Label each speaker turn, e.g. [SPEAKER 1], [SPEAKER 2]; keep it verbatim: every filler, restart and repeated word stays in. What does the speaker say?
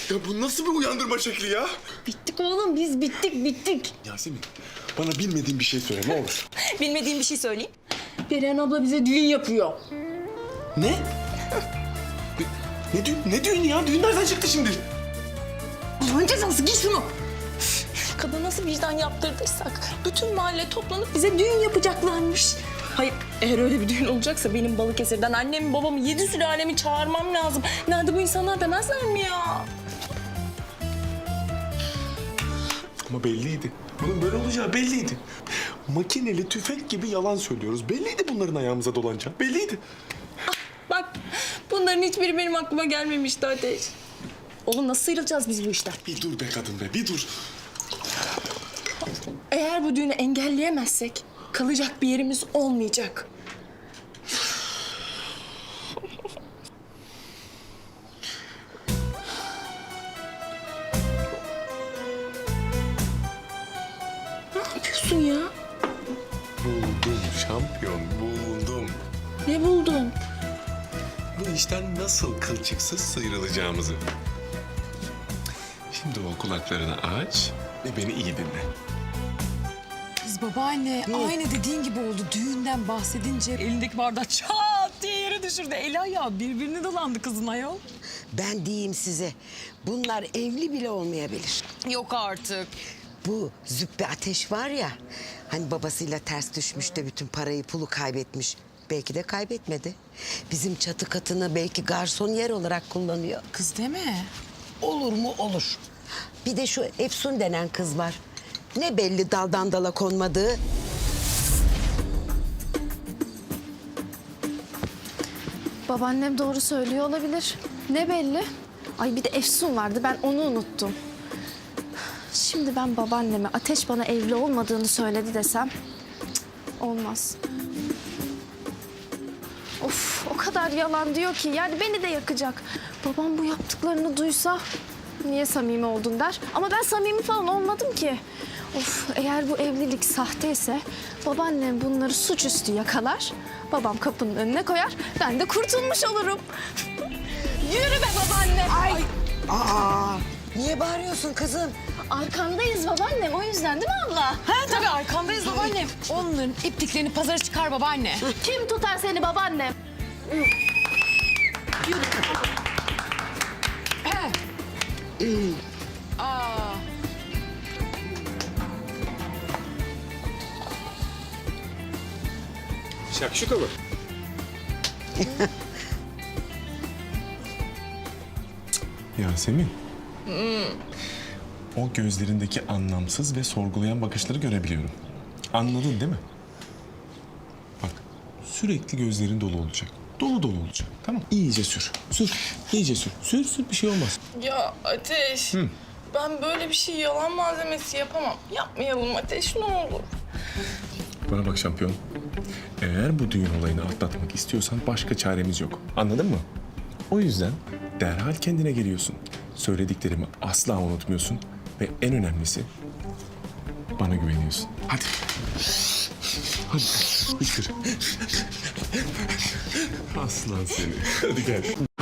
[SPEAKER 1] Ya bu nasıl bir uyandırma şekli ya?
[SPEAKER 2] Bittik oğlum biz bittik bittik.
[SPEAKER 1] Yasemin, bana bilmediğin bir şey söyle ne olur.
[SPEAKER 2] Bilmediğim bir şey söyleyeyim. Perihan abla bize düğün yapıyor.
[SPEAKER 1] Ne? ne, ne düğün? Ne düğün ya? Düğün nereden çıktı şimdi?
[SPEAKER 2] Allah'ın cezası giy şunu. Kadın nasıl vicdan yaptırdıysak bütün mahalle toplanıp bize düğün yapacaklarmış. Hayır, eğer öyle bir düğün olacaksa benim Balıkesir'den annemi, babamı, yedi sülalemi çağırmam lazım. Nerede bu insanlar demezler mi ya?
[SPEAKER 1] Ama belliydi. Bunun böyle olacağı belliydi. Makineli tüfek gibi yalan söylüyoruz. Belliydi bunların ayağımıza dolanacağı. Belliydi.
[SPEAKER 2] Bak, bunların hiçbiri benim aklıma gelmemişti Ateş. Oğlum nasıl sıyrılacağız biz bu işten?
[SPEAKER 1] Bir dur be kadın be, bir dur.
[SPEAKER 2] Eğer bu düğünü engelleyemezsek kalacak bir yerimiz olmayacak. Ne yapıyorsun ya?
[SPEAKER 1] Buldum şampiyon, buldum.
[SPEAKER 2] Ne buldun?
[SPEAKER 1] Bu işten nasıl kılçıksız sıyrılacağımızı. Şimdi o kulaklarını aç ve beni iyi dinle.
[SPEAKER 3] Kız babaanne aynı dediğin gibi oldu. Düğünden bahsedince elindeki bardağı çat diye yere düşürdü. Eli ayağı birbirine dolandı kızın ayol.
[SPEAKER 4] Ben diyeyim size, bunlar evli bile olmayabilir.
[SPEAKER 3] Yok artık.
[SPEAKER 4] Bu Züppe Ateş var ya, hani babasıyla ters düşmüş de bütün parayı pulu kaybetmiş. Belki de kaybetmedi. Bizim çatı katını belki garson yer olarak kullanıyor.
[SPEAKER 3] Kız deme.
[SPEAKER 4] Olur mu olur. Bir de şu Efsun denen kız var. Ne belli daldan dala konmadığı.
[SPEAKER 5] Babaannem doğru söylüyor olabilir. Ne belli? Ay bir de Efsun vardı, ben onu unuttum. Şimdi ben babaanneme Ateş bana evli olmadığını söyledi desem... cık, olmaz. Of, o kadar yalan diyor ki yani beni de yakacak. Babam bu yaptıklarını duysa niye samimi oldun der. Ama ben samimi falan olmadım ki. Of, eğer bu evlilik sahteyse babaannem bunları suçüstü yakalar. Babam kapının önüne koyar, ben de kurtulmuş olurum. Yürü be babaanne. Ay.
[SPEAKER 4] Aa, niye bağırıyorsun kızım?
[SPEAKER 5] Arkandayız babaannem, o yüzden değil mi abla?
[SPEAKER 3] Ha tabii arkandayız babaannem. Onların ipliklerini pazara çıkar babaanne.
[SPEAKER 5] Kim tutar seni babaannem?
[SPEAKER 3] Aa.
[SPEAKER 1] Şakşuka mı? Yasemin. O gözlerindeki anlamsız ve sorgulayan bakışları görebiliyorum. Anladın değil mi? Bak, sürekli gözlerin dolu olacak. Dolu dolu olacak. Tamam. İyice sür. Sür. İyice sür. Sür sür bir şey olmaz.
[SPEAKER 2] Ya Ateş, ben böyle bir şey yalan malzemesi yapamam. Yapmayalım Ateş, ne olur.
[SPEAKER 1] Bana bak şampiyon. Eğer bu düğün olayını atlatmak istiyorsan başka çaremiz yok. Anladın mı? O yüzden derhal kendine geliyorsun. Söylediklerimi asla unutmuyorsun. Ve en önemlisi bana güveniyorsun. Hadi. Hadi. Hıçkır. Aslan seni. Hadi gel.